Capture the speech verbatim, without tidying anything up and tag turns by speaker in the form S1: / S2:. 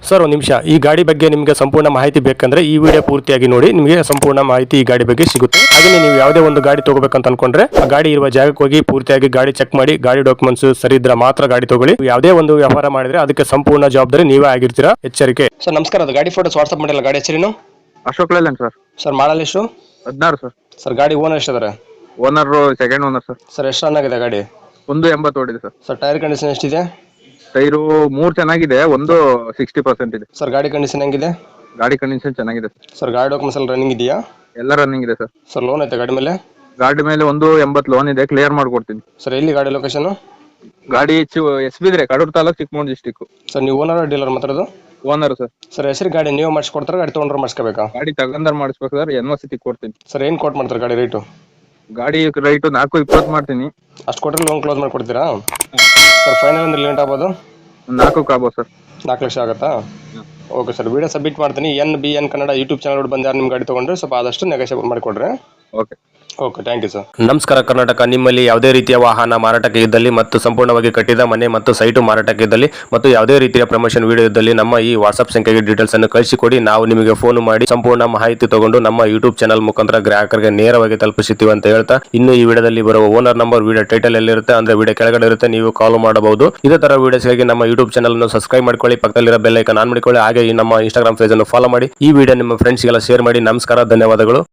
S1: Sir ಒಂದು ನಿಮಿಷ, ಈ ಗಾಡಿ ಬಗ್ಗೆ ನಿಮಗೆ ಸಂಪೂರ್ಣ ಮಾಹಿತಿ ಬೇಕಂದ್ರೆ ಈ ವಿಡಿಯೋ ಪೂರ್ತಿಯಾಗಿ ನೋಡಿ, ನಿಮಗೆ ಸಂಪೂರ್ಣ ಮಾಹಿತಿ ಈ ಗಾಡಿ ಬಗ್ಗೆ ಸಿಗುತ್ತೆ. ಹಾಗೆ ನೀವು ಯಾವುದೇ ಒಂದು ಗಾಡಿ ತಗೋಬೇಕಂತ ಅನ್ಕೊಂಡ್ರೆ ಆ ಗಾಡಿ ಇರುವ ಜಾಗಕ್ಕೆ ಹೋಗಿ ಪೂರ್ತಿಯಾಗಿ ಗಾಡಿ ಚೆಕ್ ಮಾಡಿ, ಗಾಡಿ ಡಾಕ್ಯುಮೆಂಟ್ಸ್ ಸರಿ ಇದ್ರೆ ಮಾತ್ರ ಗಾಡಿ ತಗೊಳ್ಳಿ. ಯಾವುದೇ ಒಂದು ವ್ಯವಹಾರ ಮಾಡಿದ್ರೆ ಅದಕ್ಕೆ ಸಂಪೂರ್ಣ ಜವಾಬ್ದಾರಿ ನೀವೇ ಆಗಿರ್ತೀರಾ, ಎಚ್ಚರಿಕೆ. ಸರ್ ನಮಸ್ಕಾರ, ಅದು ಗಾಡಿ ಫೋಟೋಸ್ ವಾಟ್ಸ್ಆಪ್ ಮಾಡಿಲ್ಲ, ಗಾಡಿ ಹೆಸರೇನು?
S2: Ashok Leyland sir.
S1: Sir model ಎಷ್ಟು?
S2: ಹದಿನಾರು ಸರ್.
S1: ಸರ್ ಗಾಡಿ ಓನರ್ ಎಷ್ಟಿದ್ದಾರೆ?
S2: Owner second owner sir.
S1: Sir ಎಷ್ಟು ರನ್ ಆಗಿದೆ ಗಾಡಿ?
S2: ಒಂದು ಎಂಬತ್ತು ಓಡಿದೆ ಸರ್.
S1: ಸರ್ ಟೈರ್ ಕಂಡೀಷನ್ ಎಷ್ಟಿದೆ?
S2: ಟೈರು ಮೂರು ಚೆನ್ನಾಗಿದೆ, ಒಂದು ಸಿಕ್ಸ್ಟಿ ಪರ್ಸೆಂಟ್ ಇದೆ.
S1: ಸರ್ ಗಾಡಿ ಕಂಡೀಷನ್ ಹೆಂಗಿದೆ?
S2: ಗಾಡಿ ಕಂಡೀಷನ್ ಚೆನ್ನಾಗಿದೆ ಸರ್.
S1: ಸರ್ ಗಾಡಿ ಡಾಕ್ಯುಮೆಂಟ್ಸ್ ಎಲ್ಲ ರನ್ನಿಂಗ್ ಇದೆಯಾ?
S2: ಎಲ್ಲ ರನ್ನಿಂಗ್ ಇದೆ ಸರ್.
S1: ಸರ್ ಲೋನ್ ಐತೆ ಗಾಡಿ ಮೇಲೆ?
S2: ಗಾಡಿ ಮೇಲೆ ಒಂದು ಎಂಬತ್ತು ಲೋನ್ ಇದೆ, ಕ್ಲಿಯರ್ ಮಾಡ್ಕೊಡ್ತೀನಿ.
S1: ಸರ್ ಎಲ್ಲಿ ಗಾಡಿ ಲೊಕೇಶನ್?
S2: ಗಾಡಿ ಎಸ್ ಬಿದ್ರೆ ಕಡೂರು ತಾಲೂಕು, ಚಿಕ್ಕಮಗಳೂರು ಡಿಸ್ಟಿಕ್.
S1: ಸರ್ ನೀವು ಓನರ್ ಡೀಲರ್ ಮಾತಾಡೋದು?
S2: Owner sir.
S1: ಸರ್ ಹೆಸರು ಗಾಡಿ ನೀವು ಮಾಡಿಸ್ಕೊಡ್ತಾರೆ, ಗಾಡಿ ತೊಗೊಂಡ್ರೆ ಮಾಡಿಸ್ಕೋಬೇಕಾ?
S2: ಗಾಡಿ ತಗೊಂಡರ್ ಮಾಡಿಸ್ಬೇಕು ಸರ್, ಎನ್ ಒ ಸಿ ಕೊಡ್ತೀನಿ.
S1: ಸರ್ ಏನು ಕೋಟ್ ಮಾಡ್ತಾರೆ ಗಾಡಿ ರೇಟು?
S2: ಗಾಡಿ ರೈಟು ನಾಲ್ಕು ಇಪ್ಪತ್ತು ಮಾಡ್ತೀನಿ.
S1: ಅಷ್ಟು ಕೊಟ್ಟರೆ ಲೋನ್ ಕ್ಲೋಸ್ ಮಾಡಿಕೊಡ್ತೀರಾ? ಸರ್ ಫೈನಲ್ ಅಂದ್ರೆ ಲೇಟ್ ಆಗ್ಬೋದು?
S2: ನಾಲ್ಕು ಆಗ್ಬೋದು ಸರ್.
S1: ನಾಲ್ಕು ಲಕ್ಷ ಆಗುತ್ತಾ? ಓಕೆ ಸರ್, ವಿಡಿಯೋ ಸಬ್ಮಿಟ್ ಮಾಡ್ತೀನಿ. N B N Kannada YouTube channel ಬಂದು ಯಾರು ನಿಮ್ಮ ಗಾಡಿ ತೊಗೊಂಡ್ರೆ ಸ್ವಲ್ಪ ಆದಷ್ಟು ನೆಗೋಷಿಯೇಟ್ ಮಾಡಿಕೊಡ್ರಿ.
S2: Okay
S1: okay, thank you sir. ನಮಸ್ಕಾರ ಕರ್ನಾಟಕ. ನಿಮ್ಮಲ್ಲಿ ಯಾವುದೇ ರೀತಿಯ ವಾಹನ ಮಾರಾಟಕ್ಕೆ ಇದ್ದಲ್ಲಿ ಮತ್ತು ಸಂಪೂರ್ಣವಾಗಿ ಕಟ್ಟಿದ ಮನೆ ಮತ್ತು ಸೈಟು ಮಾರಾಟಕ್ಕೆ ಇದ್ದಲ್ಲಿ ಮತ್ತು ಯಾವುದೇ ರೀತಿಯ ಪ್ರಮೋಷನ್ ವಿಡಿಯೋ ಇದ್ದಲ್ಲಿ ನಮ್ಮ ಈ ವಾಟ್ಸ್ಆಪ್ ಸಂಖ್ಯೆಗೆ ಡೀಟೇಲ್ಸ್ ಅನ್ನು ಕಳಿಸಿಕೊಡಿ. ನಾವು ನಿಮಗೆ ಫೋನ್ ಮಾಡಿ ಸಂಪೂರ್ಣ ಮಾಹಿತಿ ತಗೊಂಡು ನಮ್ಮ ಯೂಟ್ಯೂಬ್ ಚಾನಲ್ ಮುಖಾಂತರ ಗ್ರಾಹಕರಿಗೆ ನೇರವಾಗಿ ತಲುಪಿಸುತ್ತೀವಿ ಅಂತ ಹೇಳ್ತಾ, ಇನ್ನು ಈ ವಿಡಿಯೋದಲ್ಲಿ ಬರುವ ಓನರ್ ನಂಬರ್ ವಿಡಿಯೋ ಟೈಟಲ್ ಎಲ್ಲಿರುತ್ತೆ ಅಂದ್ರೆ ವಿಡಿಯೋ ಕೆಳಗಡೆ ಇರುತ್ತೆ, ನೀವು ಕಾಲ್ ಮಾಡಬಹುದು. ಇದೇ ತರ ವಿಡಿಯೋಸ್ಗಾಗಿ ನಮ್ಮ ಯೂಟ್ಯೂಬ್ ಚಾನಲ್ ಅನ್ನು ಸಬ್ಸ್ಕ್ರೈಬ್ ಮಾಡ್ಕೊಳ್ಳಿ, ಪಕ್ಕದಲ್ಲಿರೋ ಬೆಲ್ ಐಕಾನ್ ಆನ್ ಮಾಡಿಕೊಳ್ಳಿ. ಹಾಗೆ ಈ ನಮ್ಮ ಇನ್ಸ್ಟಾಗ್ರಾಮ್ ಪೇಜ್ ಅನ್ನು ಫಾಲೋ ಮಾಡಿ, ಈ ವಿಡಿಯೋ ನಿಮ್ಮ ಫ್ರೆಂಡ್ಸ್ಗೆಲ್ಲ ಶೇರ್ ಮಾಡಿ. ನಮಸ್ಕಾರ, ಧನ್ಯವಾದಗಳು.